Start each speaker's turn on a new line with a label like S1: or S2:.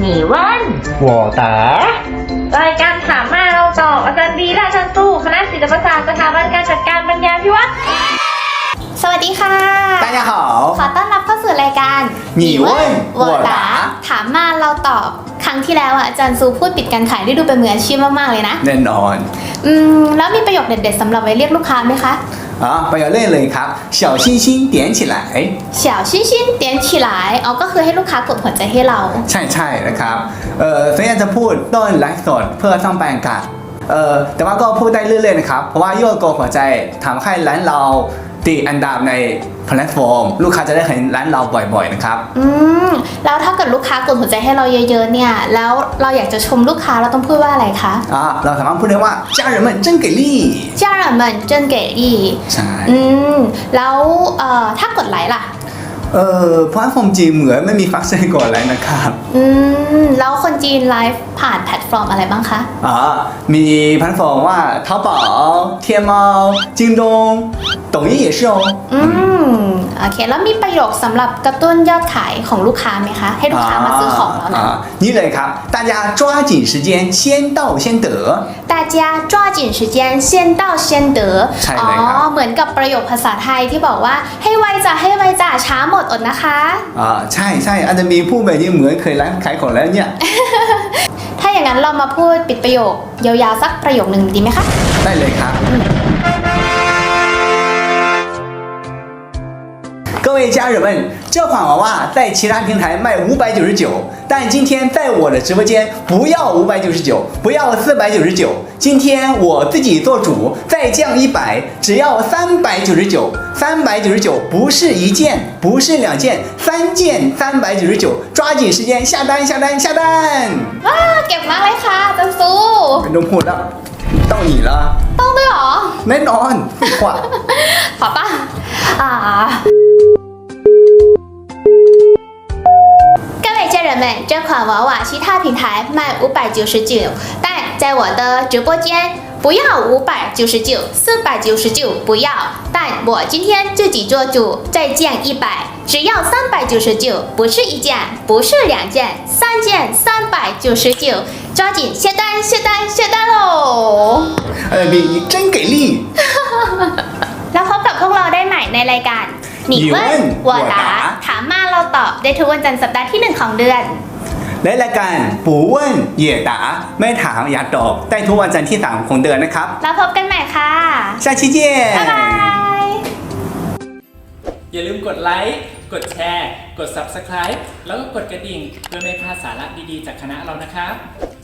S1: หนีว่าน
S2: 我答
S1: รายการถามมาเราตอบอาจารย์บีและอาจารย์ตู้คณะศิลปศาสตร์สถาบันการจัดการปัญญาพิวัตร
S3: สวัสดีค่ะ
S2: 大家好
S3: ขอต้อนรับเข้าสู่รายการ
S2: 你问我答
S3: ถามมาเราตอบครั้งที่แล้วอาจารย์ซูพูดปิดการขายได้ดูเป็นมืออาชีพมากๆเลยนะ
S2: แน่นอน
S3: แล้วมีประโยคเด็ดๆสำหรับไว้เรียกลูกค้าไหมคะ
S2: ประโยคแรกเลยครับ小星星点起来
S3: 小星星点起来ก็คือให้ลูกค้ากดหัวใจให้เรา
S2: ใช่นะครับส่วนใหญ่จะพูดต้นไลฟ์สดเพื่อสร้างบรรยากาศแต่ว่าก็พูดได้เรื่อยๆนะครับเพราะว่าโยกหัวใจทำให้ร้านเราติดอันดับในแพลตฟอร์มลูกค้าจะได้เห็นร้านเราบ่อยๆนะครับ
S3: แล้วถ้าเกิดลูกค้ากดหัวใจให้เราเยอะๆเนี่ยแล้วเราอยากจะชมลูกค้าเราต้องพูดว่าอะไรคะ
S2: เราสามารถพูดได้ว่า家人们真给力
S3: 家人们真给力
S2: ใช่
S3: แล้วถ้ากดไลค์ล่ะ
S2: เพราะผมจีนเหมือนไม่มีฟังก์ชันกดไลค์นะครับ
S3: แล้วคนจีนไลฟ์ผ่านแพลตฟอร์มอะไรบ้างคะ
S2: มีแพลตฟอร์มว่า淘宝天猫京东抖音也是哦
S3: โอเคแล้วมีประโยคสำหรับกระตุ้นยอดขายของลูกค้าไหมคะให้ลูกค้ามาซื้อของเรานะ
S2: นี่เลยครับ大家抓紧时间先到先得
S3: 大家抓紧时间先到先得
S2: ใช่เลยครับ
S3: เหมือนกับประโยคภาษาไทยที่บอกว่าให้ไวจ้ะให้ไวจ้ะช้าหมดอดนะคะ
S2: ใช่อาจจะมีผู้แบบนี้เหมือนเคยร้านขายของแล้วเนี่ย
S3: ถ้าอย่างนั้นเรามาพูดปิดประโยคยาวๆสักประโยคหนึ่งดีไหมคะ
S2: ได้เลยครับ各位家人们，这款娃娃在其他平台卖599，但今天在我的直播间不要599，不要499，今天我自己做主，再降100，只要399，399不是一件，不是两件，3件399，抓紧时间下单下单下单！
S3: ว้าเก็บมากเลยค่ะจันซู
S2: ไม่ต้องพูดแล้ว到你了
S3: ต้องด้วยหรอ
S2: แน่นอนขวา
S3: 好吧各位家人们，这款娃娃其他平台卖599，但在我的直播间不要599、499不要，但我今天自己做主，再降100，只要399，不是一件，不是两件，3件399，抓紧下单下单下单喽！
S2: 你真给力！
S3: แล้วพบกับพวกเราได้ใหม่ในรายการหนีเว้นวัวตาถามมาเราตอบได้ทุกวันจันทร์สัปดาห์ที่1ของเดือน
S2: และรายการปูเว่นเหย่ตาไม่ถามอย่าตอบได้ทุกวันจันทร์ที่3ของเดือนนะครับ
S3: แล้วพบกันใหม่ค่ะ
S2: 下期见
S3: บ๊ายบาย
S4: อย่าลืมกดไลค์กดแชร์กด Subscribe แล้วก็กดกระดิ่งเพื่อไม่พลาดสาระดีๆจากคณะเรานะครับ